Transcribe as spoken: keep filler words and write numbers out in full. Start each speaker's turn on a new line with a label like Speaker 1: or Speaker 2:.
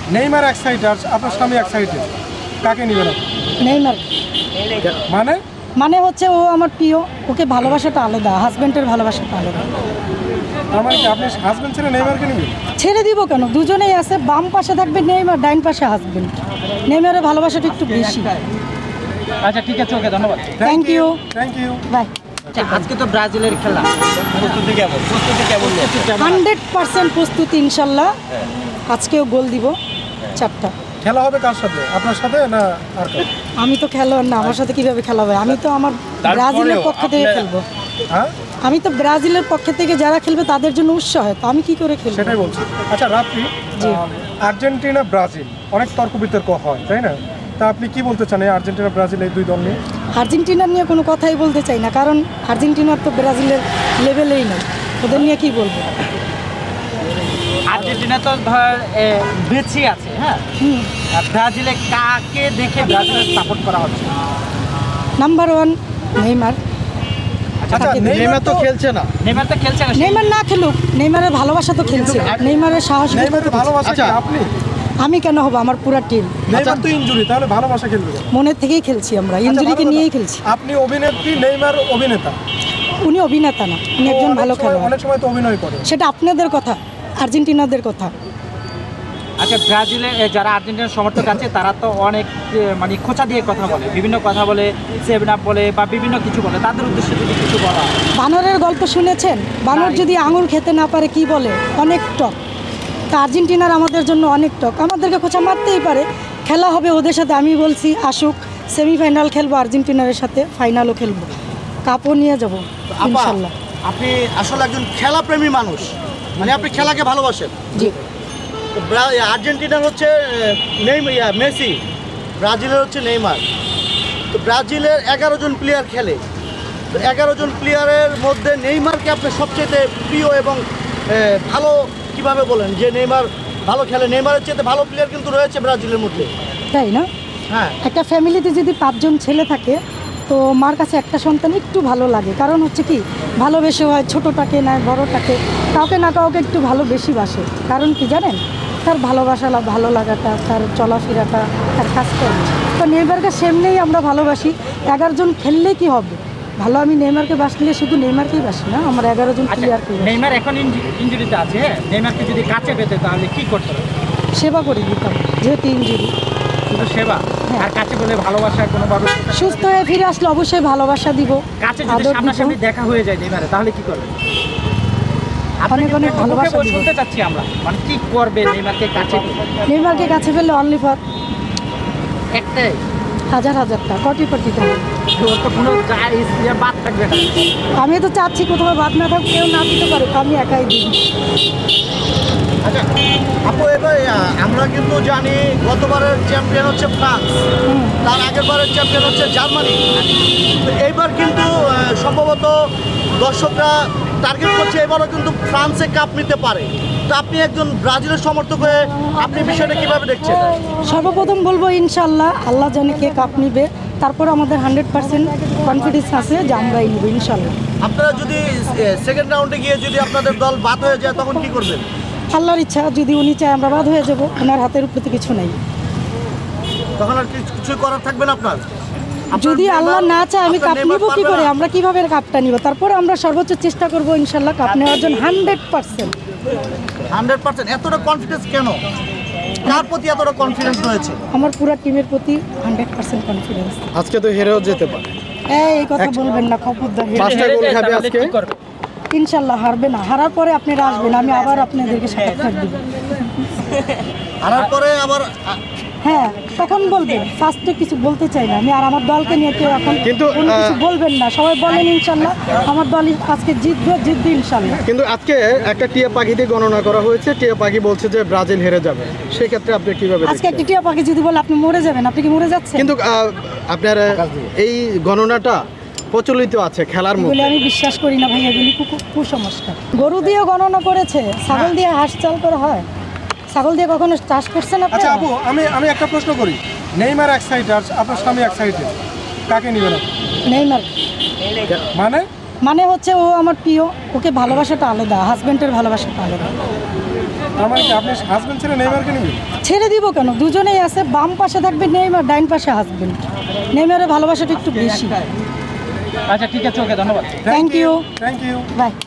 Speaker 1: Neymar এক সাইডে আর আপনার স্বামী এক সাইডে, কাকে নেবেন?
Speaker 2: নেইমার।
Speaker 1: মানে
Speaker 2: মানে হচ্ছে ও আমার প্রিয়, ওকে ভালোবাসাটা আলাদা, হাজব্যান্ডের ভালোবাসাটা আলাদা।
Speaker 1: তার মানে কি আপনি হাজবেন্ড ছেড়ে নেইমারকে নেবেন?
Speaker 2: ছেড়ে দিব কেন, দুজনেই আছে, বাম পাশে থাকবে নেইমার, ডাইন পাশে হাজব্যান্ড। নেইমারের ভালোবাসাটা একটু বেশি।
Speaker 3: আচ্ছা ঠিক আছে, ওকে ধন্যবাদ।
Speaker 2: Thank you,
Speaker 1: thank you.
Speaker 2: Bye.
Speaker 3: আচ্ছা, আজকে তো ব্রাজিলের খেলা, প্রস্তুতি কেমন? প্রস্তুতি কেমন?
Speaker 2: হান্ড্রেড পার্সেন্ট প্রস্তুতি ইনশাল্লাহ। আজকেও গোল দিব চারটা।
Speaker 1: খেলা হবে কার সাথে, আপনার সাথে না আর কার?
Speaker 2: আমি তো খেলোয়াড় না, আমার সাথে কিভাবে খেলা হবে? আমি তো আমার ব্রাজিলের পক্ষ থেকে খেলবো।
Speaker 1: হ্যাঁ,
Speaker 2: আমি তো ব্রাজিলের পক্ষ থেকে যারা খেলবে তাদের জন্য উৎসাহ হয়, তো আমি কি করে খেলবো?
Speaker 1: সেটাই বলছি। আচ্ছা রাত্রি,
Speaker 2: জি।
Speaker 1: আর্জেন্টিনা ব্রাজিল অনেক তর্ক বিতর্ক হয়, তাই না? তা আপনি কি বলতে চান এই আর্জেন্টিনা ব্রাজিল এই দুই দল নিয়ে?
Speaker 2: আর্জেন্টিনা নিয়ে কোনো কথাই বলতে চাই না, কারণ আর্জেন্টিনার তো ব্রাজিলের লেভেলেই নয়, ওদের নিয়ে কি বলবো?
Speaker 3: আর্জেন্টিনা তো ধর বেঁচে আছে, হ্যাঁ,
Speaker 2: হুম,
Speaker 3: আর ব্রাজিলে কাকে দেখে ব্রাজিলের সাপোর্ট করা হচ্ছে?
Speaker 2: Number one Neymar.
Speaker 1: আচ্ছা
Speaker 2: তাকে দিই।
Speaker 1: নেইমার তো খেলছে না।
Speaker 3: নেইমার তো খেলছে না।
Speaker 2: নেইমার না খেলুক, নেইমারের ভালোবাসা তো খেলছে, নেইমারের সাহস।
Speaker 1: নেইমারের ভালোবাসা কি আপনি?
Speaker 2: আমি কেন হব, আমার পুরা টিম।
Speaker 1: নেইমার তো ইনজুরি, তাহলে ভালোবাসা খেলবে কেন?
Speaker 2: মনের থেকেই খেলছি আমরা, ইনজুরিকে
Speaker 1: ভালো
Speaker 2: নিয়েই
Speaker 1: কথা।
Speaker 2: খেলছি।
Speaker 1: আপনি অভিনেত্রী, নেইমার অভিনেতা।
Speaker 2: উনি অভিনেতা না, উনি একজন
Speaker 1: অনেক
Speaker 2: ভালো
Speaker 1: সময়-
Speaker 2: খেলোয়াড়।
Speaker 1: অনেক সময় তো অভিনয় করে।
Speaker 2: সেটা আপনাদের কথা, আর্জেন্টিনাদের কথা।
Speaker 3: আচ্ছা, ব্রাজিলে এ, যারা আর্জেন্টিনার সমর্থক আছে তারা তো অনেক এ, মানে খোঁচা দিয়ে কথা বলে, বিভিন্ন কথা বলে, সেভেন আপ বলে বা বিভিন্ন কিছু বলে, তাদের উদ্দেশ্যে যদি কিছু বলা হয়।
Speaker 2: বানরের গল্প শুনেছেন? বানর যদি আঙুর খেতে না পারে কি বলে? অনেক টক। তা আর্জেন্টিনার আমাদের জন্য অনেক টক, আমাদেরকে খোঁচা মারতেই পারে। খেলা হবে ওদের সাথে, আমি বলছি আসুক, সেমিফাইনাল খেলবো আর্জেন্টিনার সাথে, ফাইনালও খেলবো, কাপও নিয়ে যাবো
Speaker 4: আপা,
Speaker 2: ইনশাল্লাহ।
Speaker 4: আপনি আসলে একজন খেলাপ্রেমী মানুষ, মানে আপনি খেলাকে ভালোবাসেন।
Speaker 2: জি।
Speaker 4: তো ব্রা- আর্জেন্টিনার হচ্ছে নেইমার, ইয়া, মেসি, ব্রাজিলের হচ্ছে নেইমার। তো ব্রাজিলের এগারো জন প্লেয়ার খেলে, তো এগারো জন প্লেয়ারের মধ্যে নেইমারকে আপনি সবচেয়ে প্রিয় এবং এ, ভালো কিভাবে বলেন যে নেইমার ভালো খেলে? নেইমারের চেয়ে ভালো প্লেয়ার কিন্তু রয়েছে ব্রাজিলের মধ্যে।
Speaker 2: তাই না?
Speaker 4: হ্যাঁ,
Speaker 2: একটা ফ্যামিলিতে যদি পাঁচজন ছেলে থাকে, তো মার কাছে একটা সন্তান একটু ভালো লাগে, কারণ হচ্ছে কি, ভালোবেসে হয়, ছোটোটাকে না বড়োটাকে, কাউকে না কাউকে একটু ভালো বেশি বাসে। কারণ কি জানেন? তার ভালোবাসা, ভালো লাগাটা, তার চলাফেরাটা, তার কাজকর্ম। তো নেইমারকে সেমনেই আমরা ভালোবাসি। এগারো জন খেললে কি হবে ভালো? আমি নেইমারকে বাসলে শুধু নেইমারকেই বাসি না, আমার এগারো জন
Speaker 3: আচ্ছা,
Speaker 2: প্লেয়ারকে
Speaker 3: নেইমার এখন ইনজুরিতে আছে, হ্যাঁ, নেইমারকে যদি কাছে পেতে তাহলে কি করতে হবে?
Speaker 2: সেবা করে দিতাম, যেহেতু ইঞ্জুরি।
Speaker 3: শুধু সেবা আর কাছে বলে ভালোবাসা কোনোভাবে?
Speaker 2: সুস্থ হয়ে ফিরে আসলে অবশ্যই ভালোবাসা দিব,
Speaker 3: কাছে যদি
Speaker 2: আদর দিব,
Speaker 3: সামনাসামনি দেখা হয়ে যায় নেইমারে, তাহলে কি করবে?
Speaker 2: অনেক অনেক ভালোবাসা দিব।
Speaker 3: শুনতে চাচ্ছি আমরা, মানে কি করবে নেইমারকে কাছে পেলে?
Speaker 2: নেইমারকে কাছে ফেললে অনলি ফর
Speaker 3: একটাই,
Speaker 2: হাজার হাজারটা, কোটি কোটি টাকা।
Speaker 3: ওর তো কোনো যা- ইয়ে বাদ থাকবে না।
Speaker 2: আমি তো চাচ্ছি কোথাও বাদ না থাক, কেউ না দিতে পারে, আমি একাই দিই।
Speaker 4: আচ্ছা আপু, এবার আহ, আমরা কিন্তু জানি গতবারের চ্যাম্পিয়ন হচ্ছে ফ্রান্স,
Speaker 2: হুম।
Speaker 4: তার আগের বারের চ্যাম্পিয়ন হচ্ছে জার্মানি। তো এইবার কিন্তু আহ, সম্ভবত দর্শকরা টার্গেট করছে এবারও কিন্তু ফ্রান্সে কাপ নিতে পারে। তো আপনি একজন ব্রাজিলের সমর্থক হয়ে আপনি বিষয়টা কিভাবে দেখছেন?
Speaker 2: সর্বপ্রথম বলবো ইনশাল্লাহ, আল্লাহ জানে কে কাপ নিবে, তারপর আমাদের হান্ড্রেড পার্সেন্ট কনফিডেন্স আছে যে আমরাই নিব ইনশাল্লাহ।
Speaker 4: আপনারা যদি সেকেন্ড রাউন্ডে গিয়ে যদি আপনাদের দল বাদ হয়ে যায় তখন কি করবেন?
Speaker 2: আল্লাহর ইচ্ছা, যদি উনি চায় আমরা বাদ হয়ে যাব, ওনার হাতের উপরে তো কিছু নাই।
Speaker 4: তখন আর কিছু কিছুই করার থাকবে না আপনার? আপনার
Speaker 2: যদি আল্লাহ
Speaker 4: নেইমার-
Speaker 2: না চায় আমি
Speaker 4: আপনার
Speaker 2: কাপ
Speaker 4: নেইমার
Speaker 2: নিব কি
Speaker 4: পারবে
Speaker 2: করে?
Speaker 4: না?
Speaker 2: আমরা কিভাবে কাপটা নিব? তারপরে আমরা সর্বোচ্চ চেষ্টা করব ইনশাল্লাহ কাপ নেওয়ার জন্য, হান্ড্রেড পার্সেন্ট।
Speaker 4: হান্ড্রেড পার্সেন্ট এতটা কনফিডেন্স কেন? কার প্রতি এতটা কনফিডেন্স রয়েছে?
Speaker 2: আমার পুরো টিমের প্রতি হান্ড্রেড পার্সেন্ট কনফিডেন্স।
Speaker 1: আজকে তো হেরেও যেতে পারে।
Speaker 2: এই কথা বলবেন না, খবরদার।
Speaker 1: পাঁচটা গোল খাবে আজকে।
Speaker 3: কি করবে?
Speaker 2: ইনশাল্লাহ হারবে না, হারার পরে আপনারা আসবেন, আমি আবার আপনাদেরকে সাক্ষাৎকার দিব।
Speaker 4: হারার পরে আবার
Speaker 2: হ্যাঁ, তখন বলবেন। ফার্স্টে কিছু বলতে চাই না আমি, আর আমার দলকে নিয়ে কেউ এখন
Speaker 1: কিন্তু,
Speaker 2: কোনো কিছু
Speaker 1: আহ,
Speaker 2: বলবেন না, সবাই বলেন ইনশাল্লাহ আমার দল আজকে জিতবে, জিতবে ইনশাল্লাহ।
Speaker 5: কিন্তু আজকে একটা টিয়া পাখি দিয়ে গণনা করা হয়েছে, টিয়া পাখি বলছে যে ব্রাজিল হেরে যাবে, সেক্ষেত্রে আপনি কিভাবে
Speaker 2: আজকে
Speaker 5: দেখছেন?
Speaker 2: একটি টিয়া পাখি যদি বলে আপনি মরে যাবেন, আপনি কি মরে যাচ্ছেন?
Speaker 5: কিন্তু আহ, আপনার আহ, এই গণনাটা প্রচলিত আছে খেলার
Speaker 2: বলে
Speaker 5: মধ্যে।
Speaker 2: আমি বিশ্বাস করি না ভাই, এগুলি কু- কুসংস্কার। গরু দিয়ে গণনা করেছে, ছাগল দিয়ে হাঁস চাল করা হয়, ছাগল দিয়ে কখনো চাষ করছেন আপনি?
Speaker 1: আচ্ছা আপু, আমি আমি একটা প্রশ্ন করি, নেইমার এক সাইডে আর আপনার স্বামী এক সাইডে, কাকে নেবেন আপনি?
Speaker 2: নেইমার।
Speaker 1: মানে
Speaker 2: মানে হচ্ছে ও আমার প্রিয়, ওকে ভালোবাসাটা আলাদা, হাজব্যান্ডের ভালোবাসাটা আলাদা।
Speaker 1: তার মানে কি আপনি হাজবেন্ড ছেড়ে নেইমারকে নেবেন?
Speaker 2: ছেড়ে দিব কেন, দুজনেই আছে, বাম পাশে থাকবে নেইমার, ডাইন পাশে হাসবেন্ড। নেইমারের ভালোবাসাটা একটু বেশি।
Speaker 3: আচ্ছা ঠিক আছে, ওকে, ধন্যবাদ।
Speaker 2: Thank you,
Speaker 1: thank you.
Speaker 2: By.